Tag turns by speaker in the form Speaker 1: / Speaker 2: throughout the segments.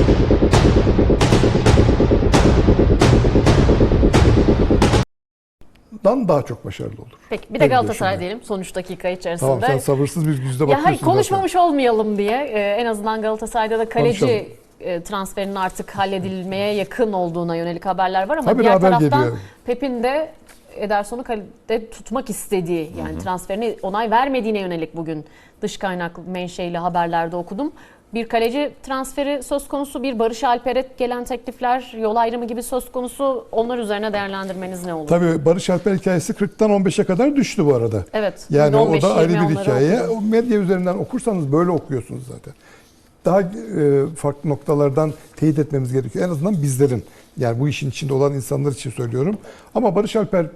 Speaker 1: daha çok başarılı olur.
Speaker 2: Peki bir de Galatasaray diyelim son 3 dakika içerisinde.
Speaker 1: Tamam, sen sabırsız bir yüzde
Speaker 2: Ya
Speaker 1: bakıyorsun.
Speaker 2: konuşmamış
Speaker 1: zaten
Speaker 2: olmayalım diye en azından Galatasaray'da da kaleci
Speaker 1: Konuşalım.
Speaker 2: transferinin artık halledilmeye yakın olduğuna yönelik haberler var ama
Speaker 1: Tabii
Speaker 2: diğer
Speaker 1: haber
Speaker 2: taraftan
Speaker 1: geliyor.
Speaker 2: Pep'in de Ederson'u kalede tutmak istediği, yani transferine onay vermediğine yönelik bugün dış kaynaklı menşeili haberlerde okudum. Bir kaleci transferi söz konusu, bir Barış Alper'e gelen teklifler, yol ayrımı gibi söz konusu. Onlar üzerine değerlendirmeniz ne olur?
Speaker 1: Tabii Barış Alper hikayesi 40'tan 15'e kadar düştü bu arada.
Speaker 2: Evet.
Speaker 1: Yani o da
Speaker 2: 15-20
Speaker 1: ayrı bir
Speaker 2: onları
Speaker 1: hikaye.
Speaker 2: okudum.
Speaker 1: O medya üzerinden okursanız böyle okuyorsunuz zaten. Daha farklı noktalardan teyit etmemiz gerekiyor. En azından bizlerin, yani bu işin içinde olan insanlar için söylüyorum. Ama Barış Alper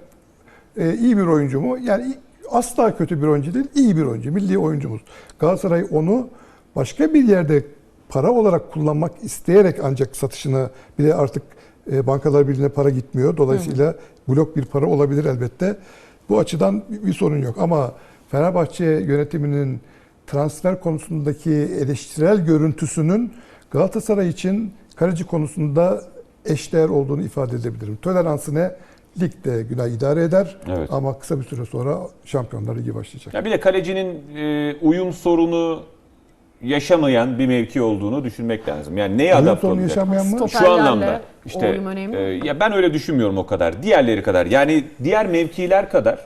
Speaker 1: iyi bir oyuncu mu? Yani asla kötü bir oyuncu değil, iyi bir oyuncu. Milli oyuncumuz. Galatasaray onu başka bir yerde para olarak kullanmak isteyerek ancak satışını, bir de artık Bankalar Birliği'ne para gitmiyor. Dolayısıyla blok bir para olabilir elbette. Bu açıdan bir sorun yok. Ama Fenerbahçe yönetiminin transfer konusundaki eleştirel görüntüsünün Galatasaray için kaleci konusunda eşdeğer olduğunu ifade edebilirim. Toleransı ne? Ligde günah idare eder,
Speaker 3: evet,
Speaker 1: ama kısa bir süre sonra Şampiyonlar Ligi başlayacak.
Speaker 3: Ya bir de kalecinin uyum sorunu yaşamayan bir mevki olduğunu düşünmek lazım. Yani neye adapte
Speaker 1: sorunu
Speaker 3: olacak?
Speaker 1: yaşamayan mı?
Speaker 3: Şu anlamda işte
Speaker 2: uyum önemli.
Speaker 3: ya ben öyle düşünmüyorum o kadar. Diğerleri kadar. Yani diğer mevkiler kadar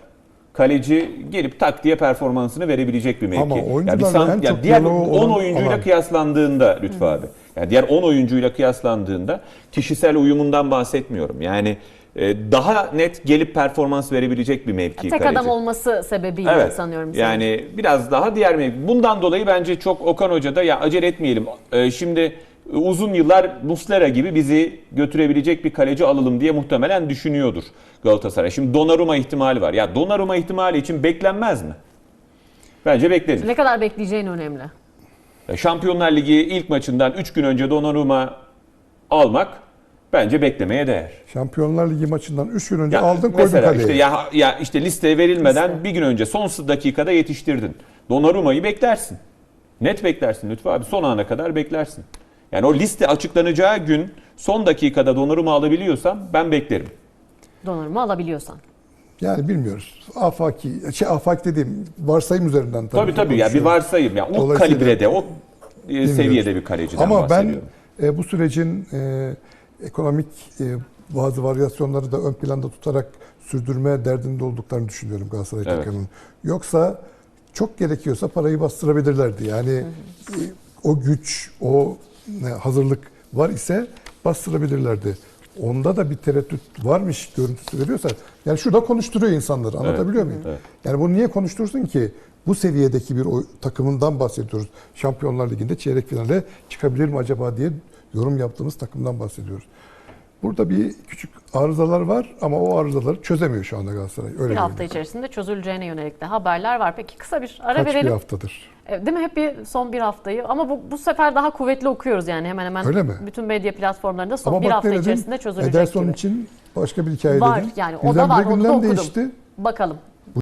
Speaker 3: kaleci gelip tak diye performansını verebilecek bir mevki.
Speaker 1: Ama
Speaker 3: Ya bir
Speaker 1: oyuncularla en çok
Speaker 3: diğer
Speaker 1: diyaloğu
Speaker 3: 10
Speaker 1: olan
Speaker 3: oyuncuyla
Speaker 1: alan.
Speaker 3: kıyaslandığında Lütfü abi. Yani diğer 10 oyuncuyla kıyaslandığında kişisel uyumundan bahsetmiyorum. Yani daha net gelip performans verebilecek bir mevki
Speaker 2: Tek
Speaker 3: kaleci.
Speaker 2: adam olması sebebiyle
Speaker 3: Evet.
Speaker 2: sanıyorum.
Speaker 3: Yani biraz daha diğer mevki. Bundan dolayı bence çok Okan Hoca da ya acele etmeyelim. Şimdi uzun yıllar Muslera gibi bizi götürebilecek bir kaleci alalım diye muhtemelen düşünüyordur Galatasaray. Şimdi Donnarumma ihtimali var. Ya Donnarumma ihtimali için beklenmez mi? Bence beklenir.
Speaker 2: Ne kadar bekleyeceğin önemli.
Speaker 3: Şampiyonlar Ligi ilk maçından 3 gün önce Donnarumma almak bence beklemeye değer.
Speaker 1: Şampiyonlar Ligi maçından 3 gün önce
Speaker 3: Ya
Speaker 1: aldın, koydun
Speaker 3: mesela
Speaker 1: kaleye.
Speaker 3: işte ya işte listeye verilmeden bir gün önce son dakikada yetiştirdin. Donnarumma'yı beklersin. Net beklersin Lütfü abi. Son ana kadar beklersin. Yani o liste açıklanacağı gün son dakikada Donnarumma alabiliyorsam ben beklerim.
Speaker 2: Donnarumma alabiliyorsan.
Speaker 1: Yani bilmiyoruz. Afaki dediğim varsayım üzerinden
Speaker 3: Tabii ya bir varsayım. Ya o
Speaker 1: Dolayısıyla
Speaker 3: kalibrede, o seviyede bir kaleciden
Speaker 1: ama
Speaker 3: bahsediyorum.
Speaker 1: ben bu sürecin ekonomik bazı varyasyonları da ön planda tutarak sürdürme derdinde olduklarını düşünüyorum Galatasaray takımının. Yoksa çok gerekiyorsa parayı bastırabilirlerdi. Yani o güç, o hazırlık var ise bastırabilirlerdi. Onda da bir tereddüt varmış görüntüsü veriyorsa, yani şurada konuşturuyor insanları. Anlatabiliyor muyum?
Speaker 3: Evet.
Speaker 1: Yani bunu niye konuştursun ki? Bu seviyedeki bir takımından bahsediyoruz. Şampiyonlar Ligi'nde çeyrek finale çıkabilir mi acaba diye yorum yaptığımız takımdan bahsediyoruz. Burada bir küçük arızalar var ama o arızaları çözemiyor şu anda Galatasaray. Öyle
Speaker 2: Bir hafta
Speaker 1: görünüyor.
Speaker 2: içerisinde çözüleceğine yönelik de haberler var. Peki kısa bir ara
Speaker 1: Kaç
Speaker 2: verelim.
Speaker 1: bir haftadır?
Speaker 2: Değil mi? Hep son bir haftayı. Ama bu sefer daha kuvvetli okuyoruz yani hemen hemen.
Speaker 1: Öyle mi?
Speaker 2: Bütün medya platformlarında son
Speaker 1: Ama
Speaker 2: bir
Speaker 1: bak
Speaker 2: hafta
Speaker 1: ne dedim?
Speaker 2: içerisinde çözülecek
Speaker 1: Ederson
Speaker 2: gibi.
Speaker 1: için başka bir hikaye
Speaker 2: Var
Speaker 1: dedim.
Speaker 2: yani o da var,
Speaker 1: Birdenbire
Speaker 2: onu da
Speaker 1: gündem
Speaker 2: okudum.
Speaker 1: değişti.
Speaker 2: Bakalım.